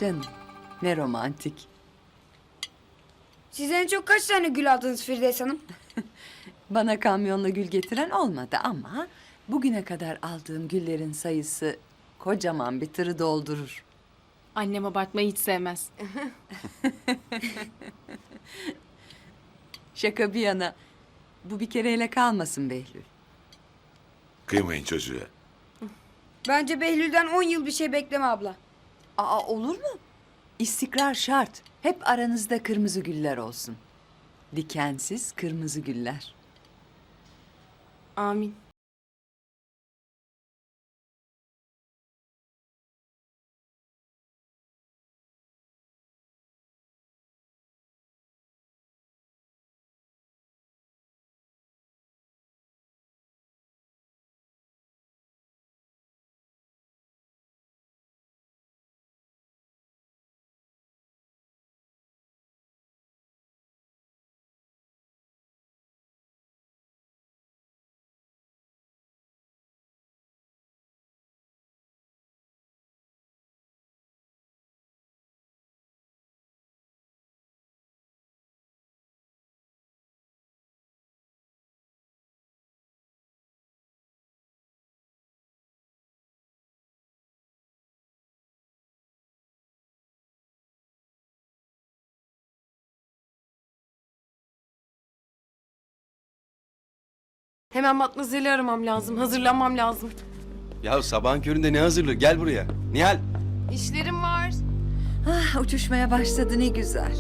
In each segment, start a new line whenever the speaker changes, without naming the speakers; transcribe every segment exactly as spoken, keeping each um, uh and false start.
canım. Ne romantik.
Siz en çok kaç tane gül aldınız Firdevs Hanım?
Bana kamyonla gül getiren olmadı ama bugüne kadar aldığım güllerin sayısı kocaman bir tırı doldurur.
Annem abartmayı hiç sevmez.
Şaka bir yana, bu bir kereyle kalmasın Behlül.
Kıymayın çocuğa.
Bence Behlül'den on yıl bir şey bekleme abla.
Aa, olur mu? İstikrar şart. Hep aranızda kırmızı güller olsun. Dikensiz kırmızı güller.
Amin. Hemen Matmazel'i aramam lazım. Hazırlanmam lazım.
Ya sabahın köründe ne hazırlığı? Gel buraya. Nihal.
İşlerim var.
Ah, uçuşmaya başladı ne güzel.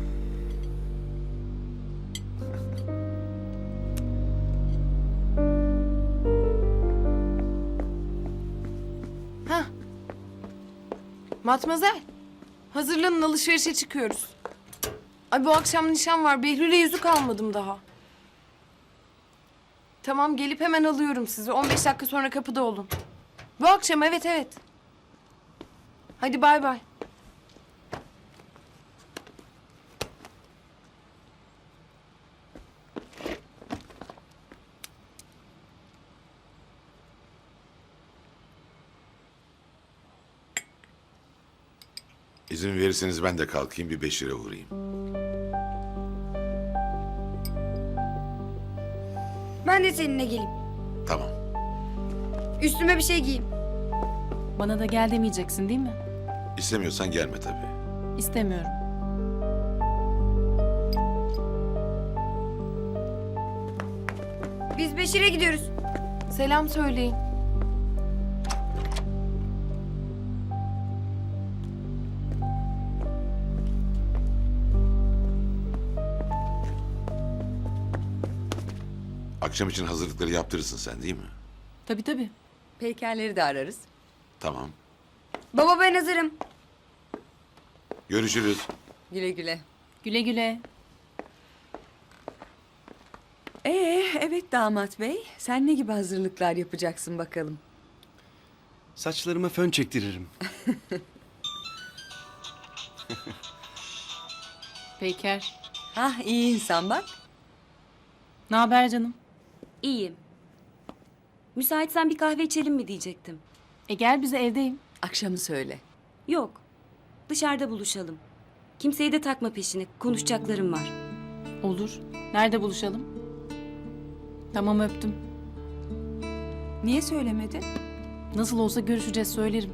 Hah. Matmazel. Hazırlanın, alışverişe çıkıyoruz. Ay bu akşam nişan var. Behlül'e yüzük almadım daha. Tamam, gelip hemen alıyorum sizi. on beş dakika sonra kapıda olun. Bu akşam, evet evet. Hadi bay bay.
İzin verirseniz ben de kalkayım bir Beşir'e uğrayayım.
Ben de seninle geleyim.
Tamam.
Üstüme bir şey giyeyim.
Bana da gel demeyeceksin değil mi?
İstemiyorsan gelme tabii.
İstemiyorum.
Biz Beşir'e gidiyoruz.
Selam söyleyin.
Akşam için hazırlıkları yaptırırsın sen değil mi?
Tabii tabii.
Peykerleri de ararız.
Tamam.
Baba ben hazırım.
Görüşürüz.
Güle güle.
Güle güle.
Ee, evet damat bey. Sen ne gibi hazırlıklar yapacaksın bakalım?
Saçlarıma fön çektiririm.
Peyker.
Hah, iyi insan bak.
Ne haber canım?
İyiyim. Müsaitsen bir kahve içelim mi diyecektim.
E gel bize, evdeyim.
Akşamı söyle.
Yok. Dışarıda buluşalım. Kimseyi de takma peşine. Konuşacaklarım var.
Olur. Nerede buluşalım? Tamam, öptüm.
Niye söylemedin?
Nasıl olsa görüşeceğiz, söylerim.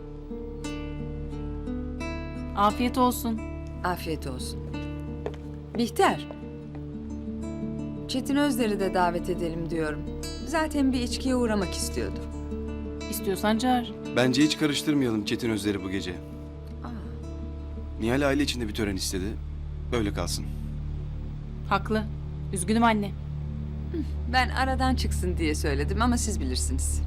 Afiyet olsun.
Afiyet olsun. Bihter. Çetin Özler'i de davet edelim diyorum. Zaten bir içkiye uğramak istiyordu.
İstiyorsan çağır.
Bence hiç karıştırmayalım Çetin Özler'i bu gece. Nihal aile içinde bir tören istedi. Böyle kalsın.
Haklı. Üzgünüm anne.
Ben aradan çıksın diye söyledim ama siz bilirsiniz.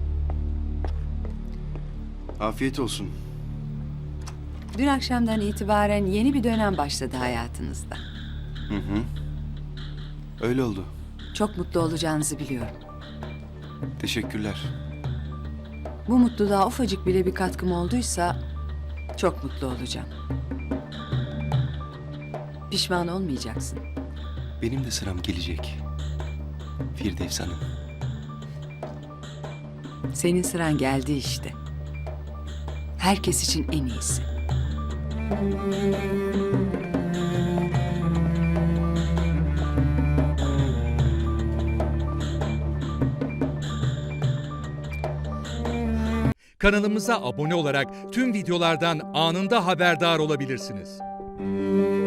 Afiyet olsun.
Dün akşamdan itibaren yeni bir dönem başladı hayatınızda.
Hı hı. Öyle oldu.
Çok mutlu olacağınızı biliyorum.
Teşekkürler.
Bu mutluluğa ufacık bile bir katkım olduysa çok mutlu olacağım. Pişman olmayacaksın.
Benim de sıram gelecek. Firdevs Hanım.
Senin sıran geldi işte. Herkes için en iyisi.
Kanalımıza abone olarak tüm videolardan anında haberdar olabilirsiniz.